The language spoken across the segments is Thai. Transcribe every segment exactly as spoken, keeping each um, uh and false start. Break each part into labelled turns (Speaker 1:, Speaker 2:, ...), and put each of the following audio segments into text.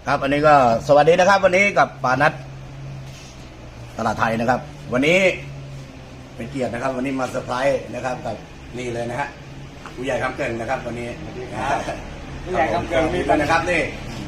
Speaker 1: ครับอันนี้ก็สวัสดีนะครับวันนี้กับปานัทตลาดไทยนะครับวันนี้เป็นเกียรตินะครับวันนี้มาเซอร์ไพรส์นะครับกับนี่เลยนะฮะผู้ใหญ่คำเกินนะครับวันนี้ผู้ใหญ่คำเกินมีกันนะครับนี่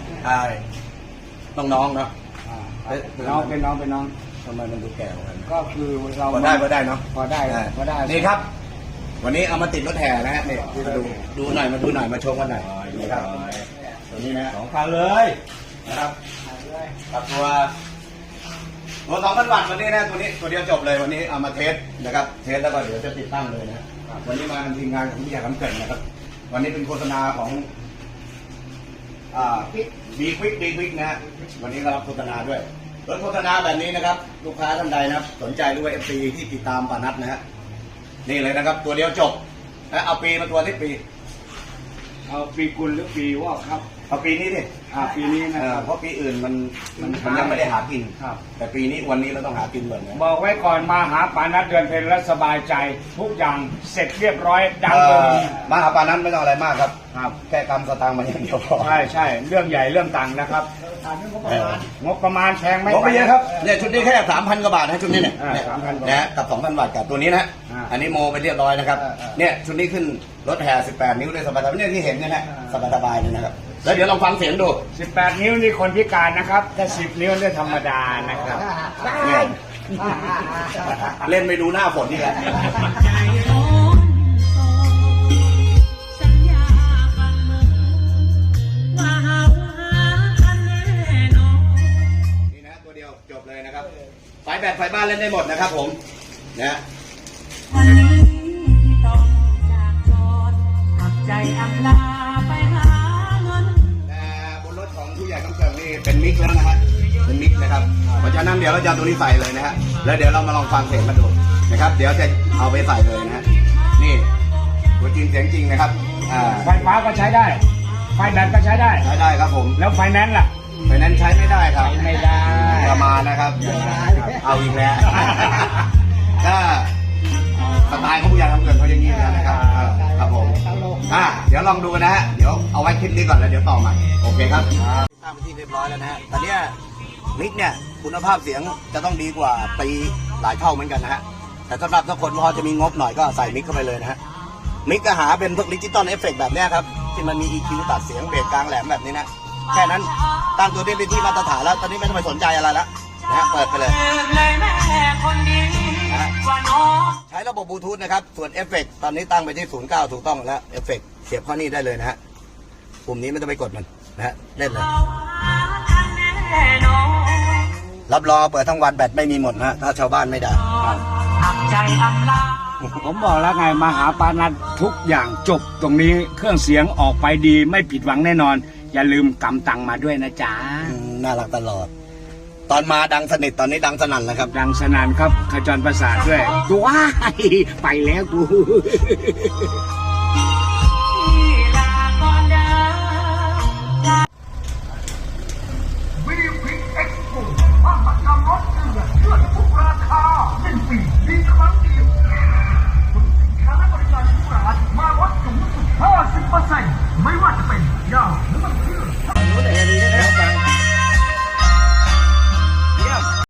Speaker 1: น้องๆเนาะ
Speaker 2: น้องเป็นน้องเป็นน้อง
Speaker 1: ทำไมมันดูแก่กว่ากัน
Speaker 2: ก็คือเรา
Speaker 1: พอได้พอได้เนาะ
Speaker 2: พอได้พอได้
Speaker 1: นี่ครับวันนี้เอามาติดรถแห่นะฮะนี่มาดูดูหน่อยมาดูหน่อยมาชมกันหน่อยนี่ครับตัวนี้นะ
Speaker 2: สองคันเลย
Speaker 1: นะครับกับตัวตัวสองพันวัตต์วันนี้นะตัวนี้ตัวเดียวจบเลยวันนี้เอามาเทสนะครับเทสแล้วก็เดี๋ยวจะติดตั้งเลยนะวันนี้มาทีมงานของพี่ยาคำเกิดนะครับวันนี้เป็นโฆษณาของอ่าบีควิกบีควิกนะฮะวันนี้ก็รับโฆษณาด้วยรถโฆษณาแบบนี้นะครับลูกค้าท่านใดนะครับสนใจหรือว่าเอฟซีที่ติดตามปานัทนะฮะนี่เลยนะครับตัวเดียวจบแล้วเอาปีมาตัวที่ปี
Speaker 2: เอาปีกุลหรือปีวอกครับ
Speaker 1: เอาปีนี้ดิ
Speaker 2: อ่าปีนี้นะ
Speaker 1: เพราะปีอื่นมันมันมันยังไม่ได้หากินครับแต่ปีนี้วันนี้เราต้องหากินเหมือนกัน
Speaker 2: บอกไว้ก่อนมาหาปานัทเดือนเพ็ญและสบายใจทุกอย่างเสร็จเรียบร้อยดังเลย
Speaker 1: มาหาปานัทไม่ต้องอะไรมากครับครับแค่กำสตางค์มาอย่างเดียวพอ
Speaker 2: ใช่ใช่เรื่องใหญ่เรื่องตังค์นะครับงบประมาณแพงไหม
Speaker 1: งบไม่เยอะครับเนี่ยชุดนี้แค่สามพันกว่าบาทนะชุดนี้เนี่ย
Speaker 2: สามพัน
Speaker 1: นะกับสองพันบาทกับตัวนี้นะอันนี้โมไปเรียบร้อยนะครับเนี่ยชุดนี้ขึ้นรถแห่สิบแปดนิ้วเลยสบายๆเนี่ยที่เห็นเนี่ยนะสบายๆเลยนะครับแล้วเดี๋ยวลองฟังเสียงดู
Speaker 2: สิบแปดนิ้วนี่คนพิการนะครับถ้าสิบนิ้วนี่ธรรมดานะครับ
Speaker 1: เล่นไม่ดูหน้าฝนนี่แหละนี่นะตัวเดียวจบเลยนะครับไฟแบตไฟบ้านเล่นได้หมดนะครับผมนะ
Speaker 3: วันนี้ที่ต้องจากจอดหักใจอำลาไปหาเงิน
Speaker 1: แต่บนรถของผู้ใหญ่คำเกิดนี่เป็นมิกแล้วนะฮะเป็นมิกนะครับเพราะฉะนั้นเดี๋ยวเราจะเอาตัวนี้ใส่เลยนะฮะแล้วเดี๋ยวเรามาลองฟังเสียงกันดูนะครับเดี๋ยวจะเอาไปใส่เลยนะฮะนี่ตัวจริงเสียงจริงนะครับ
Speaker 2: ไฟฟ้าก็ใช้ได้ไฟแบตก็ใช้ได้
Speaker 1: ใช้ได้ครับผม
Speaker 2: แล้วไฟแนนซ์ล่ะ
Speaker 1: ไฟแนนซ์ใช้ไม่ได้ครับ
Speaker 2: ไม่ได้
Speaker 1: ประมาณนะครับเอาอีกแล้วถ้าสไตล์ของผู้ใหญ่ทำเกินเขาอย่างนี้นะครับครับผมอ่าเดี๋ยวลองดูนะฮะเดี๋ยวเอาไว้คลิปนี้ก่อนแล้วเดี๋ยวต่อใหม่โอเคครับตั้งไปที่เรียบร้อยแล้วนะฮะตอนนี้มิกเนี่ยคุณภาพเสียงจะต้องดีกว่าปีหลายเท่าเหมือนกันนะฮะแต่สำหรับถ้าคนพอจะมีงบหน่อยก็ใส่มิกเข้าไปเลยนะฮะมิกก็หาเป็นพวกดิจิตอลเอฟเฟกต์แบบนี้ครับที่มันมี อี คิว ตัดเสียงเบสกลางแหลมแบบนี้นะแค่นั้นตั้งตัวได้เป็นที่มาตรฐานแล้วตอนนี้ไม่ต้องไปสนใจอะไรแล้วนะฮะเปิดไปเลยใช้ระบบบลูทูธนะครับส่วนเอฟเฟกต์ตอนนี้ตั้งไปที่ศูนย์เก้าถูกต้องแล้วเอฟเฟกต์เสียบเข้านี่ได้เลยนะฮะปุ่มนี้ไม่ต้องไปกดมันนะฮะเล่นเลยรับรองเปิดทั้งวันแบตไม่มีหมดนะถ้าชาวบ้านไม่ได้
Speaker 2: ผมบอกแล้วไงมาหาปานัททุกอย่างจบตรงนี้เครื่องเสียงออกไปดีไม่ผิดหวังแน่นอนอย่าลืมกำตังมาด้วยนะจ๊ะ
Speaker 1: น่ารักตลอดตอนมาดังสนิทตอนนี้ดังสนั่นแล้วครับ
Speaker 2: ดังสนั่นครับขจรประสาทด้วยตัวไปแล้วกู